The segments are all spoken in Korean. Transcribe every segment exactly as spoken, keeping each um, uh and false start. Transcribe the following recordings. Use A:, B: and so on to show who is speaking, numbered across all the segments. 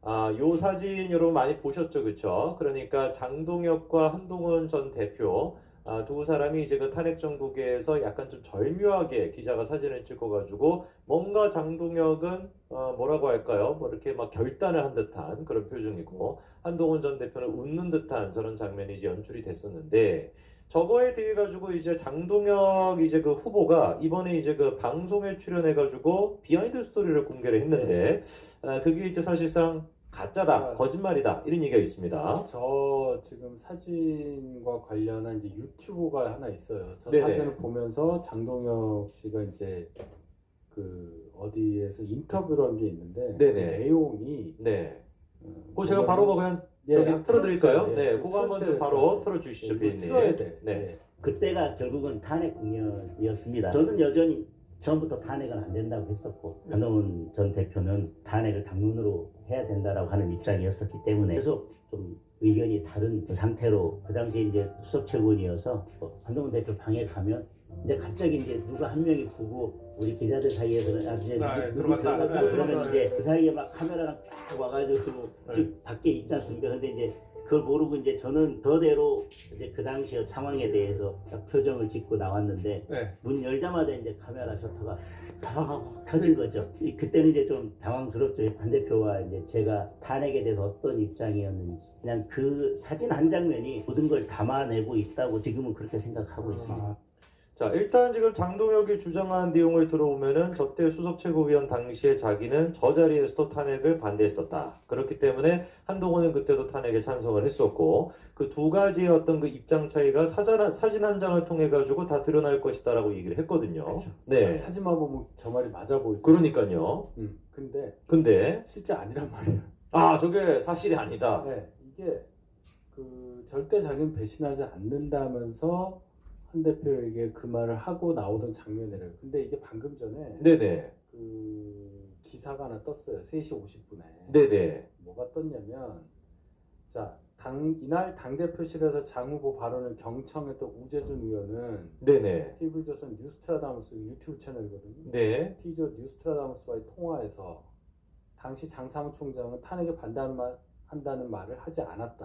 A: 아, 요 사진 여러분 많이 보셨죠, 그쵸? 그러니까 장동혁과 한동훈 전 대표 아, 두 사람이 이제 그 탄핵 정국에서 약간 좀 절묘하게 기자가 사진을 찍어가지고 뭔가 장동혁은 어, 뭐라고 할까요? 뭐 이렇게 막 결단을 한 듯한 그런 표정이고 한동훈 전 대표는 웃는 듯한 저런 장면이 이제 연출이 됐었는데 저거에 대해 가지고 이제 장동혁 이제 그 후보가 이번에 이제 그 방송에 출연해가지고 비하인드 스토리를 공개를 했는데 아, 그게 이제 사실상 가짜다, 거짓말이다 이런 얘기가 있습니다.
B: 저 지금 사진과 관련한 이제 유튜브가 하나 있어요. 저
A: 네네.
B: 사진을 보면서 장동혁 씨가 이제 그 어디에서 인터뷰를 한 게 있는데 그
A: 네네.
B: 내용이
A: 네.
B: 어,
A: 그거 제가 바로 뭐 그냥
B: 예,
A: 저기
B: 아,
A: 틀어드릴까요?
B: 틀었어요.
A: 네,
B: 예,
A: 그거 한번 좀
B: 틀었어요.
A: 바로
B: 틀었어요.
A: 틀어주시죠,
B: 예,
A: 비님.
B: 이거 틀어야 돼.
A: 네.
B: 예.
C: 그때가 결국은 탄핵 국면이었습니다. 저는 여전히 처음부터 탄핵은 안 된다고 했었고 한동훈 전 대표는 탄핵을 당론으로 해야 된다라고 하는 입장이었었기 때문에 계속 좀 의견이 다른 그 상태로 그 당시에 이제 수석 최고위원이어서 한동훈 대표 방에 가면 이제 갑자기 이제 누가 한 명이 보고 우리 기자들 사이에서는 아 이제
A: 아,
C: 누구, 누구
A: 들어갔다.
C: 들어갔다
A: 네,
C: 그러면
A: 들어갔다.
C: 이제 그 사이에 막 카메라랑 쫙 와가지고
A: 네.
C: 쭉 밖에 있지 않습니까? 근데 이제 그걸 모르고 이제 저는 저대로 이제 그 당시 상황에 대해서 딱 표정을 짓고 나왔는데
A: 네.
C: 문 열자마자 이제 카메라 셔터가 팍 터진 거죠. 이- 그때는 이제 좀 당황스럽죠. 한 대표와 이제 제가 탄핵에 대해서 어떤 입장이었는지 그냥 그 사진 한 장면이 모든 걸 담아내고 있다고 지금은 그렇게 생각하고 있습니다.
B: 아,
A: 자, 일단 지금 장동혁이 주장한 내용을 들어보면은 저때 수석 최고위원 당시에 자기는 저 자리에서도 탄핵을 반대했었다. 그렇기 때문에 한동훈은 그때도 탄핵에 찬성을 했었고 그 두 가지의 어떤 그 입장 차이가 사진, 사진 한 장을 통해 가지고 다 드러날 것이다라고 얘기를 했거든요.
B: 그쵸.
A: 네.
B: 사진만 보면 저 말이 맞아 보이죠.
A: 그러니까요.
B: 음, 근데
A: 근데
B: 실제 아니란 말이에요.
A: 아, 저게 사실이 아니다.
B: 네, 이게 그 절대 자기는 배신하지 않는다면서 한 대표에게 그 말을 하고 나오던 장면이래요. 근데 이게 방금 전에
A: 네네.
B: 그 기사가 하나 떴어요. 세 시 오십 분에.
A: 네네.
B: 뭐가 떴냐면 자, 당 이날 당대표실에서 장 후보 발언을 경청했던 우재준 의원은
A: 네네.
B: 티비조선 뉴스트라다무스 유튜브 채널이거든요.
A: 네.
B: 티저 뉴스트라다무스와의 통화에서 당시 장 사무총장은 탄핵에 반대하는 말, 한다는 말을 하지 않았다.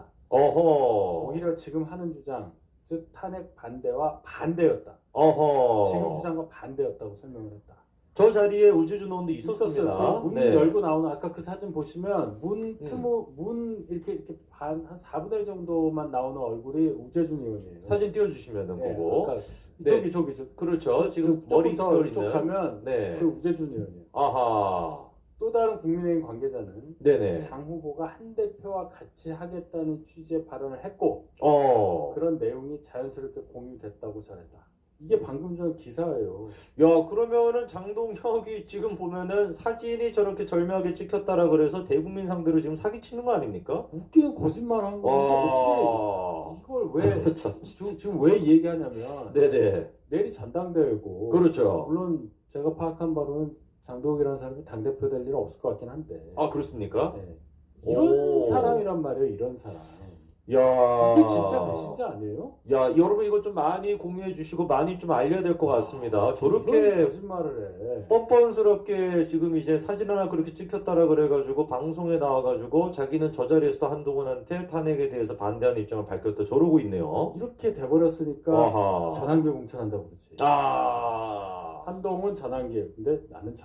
A: 어허.
B: 오히려 지금 하는 주장, 즉 탄핵 반대와 반대였다.
A: 어허.
B: 지금 주장과 반대였다고 설명을 했다.
A: 저 자리에 우재준 의원도 있었습니다.
B: 있었어요. 그 문
A: 네.
B: 열고 나오는 아까 그 사진 보시면 문
A: 음.
B: 틈으로 문 이렇게 이렇게 반 한 사분의 일 정도만 나오는 얼굴이 우재준 의원이에요.
A: 사진 띄워주시면
B: 네,
A: 보고.
B: 그러니까
A: 네.
B: 저기 저기 저
A: 그렇죠. 지금
B: 조금
A: 머리
B: 더
A: 털
B: 이쪽
A: 있는.
B: 가면
A: 네.
B: 그 우재준 의원이에요.
A: 아하.
B: 또 다른 국민의힘 관계자는
A: 네네.
B: 장 후보가 한 대표와 같이 하겠다는 취지의 발언을 했고
A: 어.
B: 그런 내용이 자연스럽게 공유됐다고 전했다. 이게 방금 전 기사예요.
A: 야, 그러면은 장동혁이 지금 보면은 사진이 저렇게 절묘하게 찍혔다라 그래서 대국민 상대로 지금 사기치는 거 아닙니까?
B: 웃기는 거짓말 한 거니까
A: 와.
B: 어떻게 이걸 왜
A: 참.
B: 지금, 지금 왜 얘기하냐면
A: 네네.
B: 내일이 전당대회고
A: 그렇죠.
B: 물론 제가 파악한 바로는 장동혁이라는 사람이 당대표 될 일은 없을 것 같긴 한데
A: 아, 그렇습니까?
B: 네. 이런
A: 오.
B: 사람이란 말이에요. 이런 사람.
A: 야.
B: 이게 진짜 배신자 아니에요?
A: 야, 여러분 이거 좀 많이 공유해 주시고 많이 좀 알려야 될 것 같습니다.
B: 이런
A: 저렇게
B: 거짓말을 해.
A: 뻔뻔스럽게 지금 이제 사진 하나 그렇게 찍혔다라 그래가지고 방송에 나와가지고 자기는 저 자리에서도 한동훈한테 탄핵에 대해서 반대하는 입장을 밝혔다 저러고 있네요.
B: 이렇게 돼버렸으니까
A: 아하.
B: 전환길 공천한다고 그러지.
A: 아.
B: 한동훈 전환길. 근데 나는